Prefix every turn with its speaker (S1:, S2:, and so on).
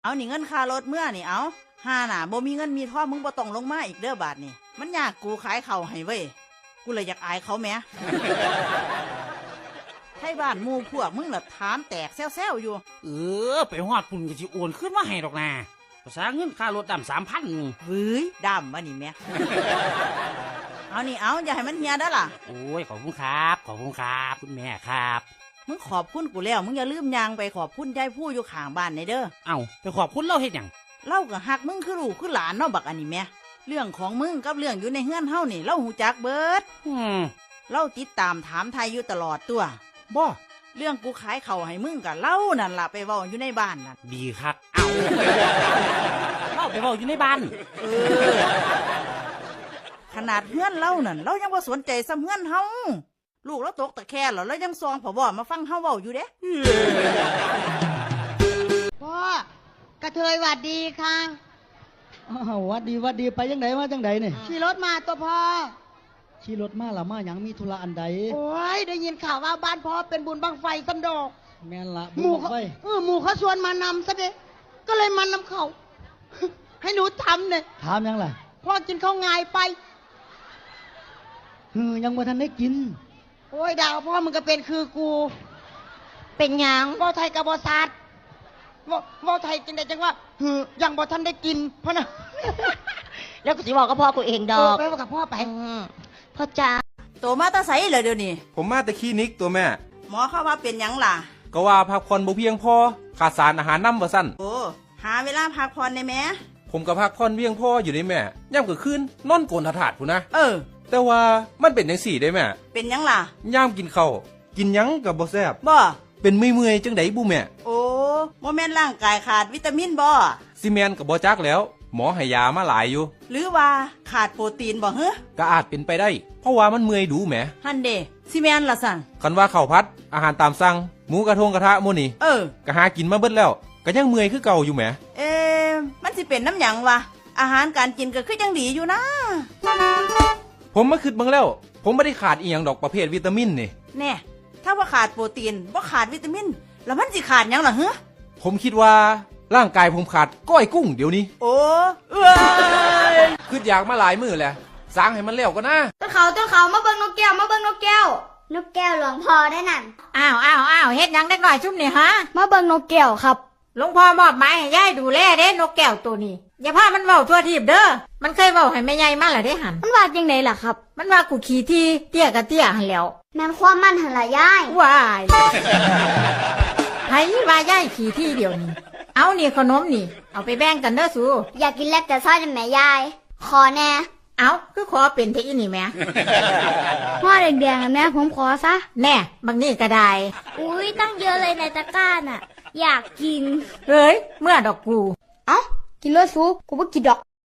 S1: เอานี่เงินค่ารถเมื่อนี่เอาห้าน่ะบ่มีเงินมีทองมึงบ่ต้องลงมาอีกเด้อบาทนี่มันยากกูขายเข่าให้เว้ยกูเลยอยากอายเขาแหมไทยบ้านหมู่พวกมึงน่ะถามแตกแซวๆอยู่
S2: ไปฮอดปุ่นก็สิโอนขึ้นมาให้ดอกนะภาษาเงินค่ารถดำ3,000นี่
S1: เฮ้ยดำวะนี่แม่เอานี่เอาอย่าให้มันเฮียได้ล่ะ
S2: โอ้ยขอบคุณครับคุณแม่ครับ
S1: มึงขอบคุณกูแล้วมึงอย่าลืมยางไปขอบคุณยายผู้อยู่ข้างบ้านในเด้อ
S2: เอ้าไปขอบคุณเล่าเฮ็ดหยัง
S1: เล่าก็หักมึงคือลูกคือหลานเนาะบักอันนี้แม่เรื่องของมึงกับเรื่องอยู่ในเฮือนเฮานี่เล่าหูจักเบิดเล่าติดตามถามไทยอยู่ตลอดตัว
S2: บ่
S1: เรื่องกูขายเข่าให้มึงกับเล่านั่นล่ะไปเว้าอยู่ในบ้านนั่น
S2: ดีครับเอาเล่าไปเว้าอยู่ในบ้าน
S1: ขนาดเฮือนเล่านั่นเรายังบ่สนใจซ้ำเฮือนเฮาลูกเราตกตะแคร่แล้วยังซองผบมาฟังเฮาเว้าอยู่เด้
S3: พ่อกระเทยหวัดดีค่ะ
S4: วัดดีไปยังไงมาจังไดเนี่ย
S3: ขี่รถมาตัวพ่อ
S4: ขี่รถมาละมายังมีธุระอันใด
S3: โอ้ยได้ยินข่าวว่าบ้านพ่อเป็นบุญบังไฟสันดอก
S4: แม่นละ
S3: หมู่เขาชวนมานำซะเด้ก็เลยมานำเขาให้หนูทำเนี่ย
S4: ถามยังล่ะ
S3: พ่อกินข้าวงายไป
S4: ยังบ่ทันได้กิน
S3: โอ้ยดาวพ่อมึงก็เป็นคือกูเป็นหยังบ่ไทยกับบ่ซาดบ่ไทยจังได๋จังว่ายังบ่ทันได้กินพ่อนะ
S5: แล้วกูสิบอกกับพ่อกูเองดอก
S3: ไปบอกกับพ่อไป
S5: พ่อจ๋า
S1: โตมาตาใสเลยเดี๋ยวนี้
S6: ผมมาแต่คลินิกตัวแม่
S1: หมอเข้าว่าเป็นหยังล่ะ
S6: ก็ว่าพักผ่อนบ่เพียงพอขาดสารอาหารนำว่าซั่น
S1: โอ้หาเวลาพักผ่อนได้แม่
S6: ผมก็พักผ่อนเพียงพออยู่ได้แม่ย่ำกลางคืนนอนโกนถาดพุ่นนะแต่ว่ามันเป็นจังซี่ได้แม่
S1: เป็นหยังล่ะ
S6: ย่ามกินข้าวกินหยังก็บ่แซ่บ
S1: บ่
S6: เป็นเมื่อยๆจังได๋บุแม่
S1: โอ้บ่แม่นร่างกายขาดวิตามินบ่
S6: ซีเมนก็บ่จักแล้วหมอให้ยามาหลายอยู่
S1: หรือว่าขาดโปรตีนบ่เฮ้อ
S6: ก็อาจเป็นไปได้เพราะว่ามันเมื่อยดูแหม
S1: หั่นเด้ซีเมนล่ะสั่น
S6: คันว่าข้าวผัดอาหารตามสั่งหมูกระทะหมู่นี่ก็หากินมาเบิดแล้วก็ยังเมื่อยคือเก่าอยู่แหม
S1: มันสิเป็นน้ำหยังวะอาหารการกินก็คือยังดีอยู่นะ
S6: ผมมาคิดเบิ่งแล้วผมไม่ได้ขาดอีหยังดอกประเภทวิตามินนี่
S1: แน่ถ้าว่าขาดโปรตีนบ่ขาดวิตามินแล้วมันสิขาดหยังล่ะเฮ้อ
S6: ผมคิดว่าร่างกายผมขาดก้อยกุ้งเดี๋ยวนี้
S1: โอ้
S6: คิดอยากมาหลายมื้อแล้วสร้างให้มันแล้วก็นะ
S5: ต้นเขามาเบิ่งนกแก้วนกแก้วหลวงพ่อได้นั่น
S7: อ้าวเฮ็ดหยังเด็กหน่อยชุ่มนี่ฮะ
S5: มาเบิ่งนกแก้วครับ
S7: หลวงพ่อมอบหมายให้ยายดูแลเด้นกแก้วตัวนี้อย่าพามันเว้าทั่วทีบเด้อมันเคยเว้าให้แม่ใหญ่มาแล้วได้หัน
S5: มันว่าจังได๋ล่ะครับ
S7: มันว่ากูขี้ที่เตี้ยกับเตี้ยหันแล้ว
S5: แม่นความมันหั่นล่ะยาย
S7: ว้ายไผว่ายายขี้ที่เดี๋ยวนี้เอานี่ขนมนี่เอาไปแบ่งกันเด้อสู
S5: อยากกินแลกแต่ซอยนั่นแม่ยายขอแน่
S7: เอาคือขอเป็นเทอีนี่แม่
S5: พ่อแดงๆแม่ผมขอซะ
S7: แน่บางนี่ก็ได้
S5: อุ้ยตั้งเยอะเลยในตะกร้าน่ะอยากกิน
S7: เอ้ยเมื่อดอกกู
S5: เอ้ากินเลยสูกูบ่กินดอก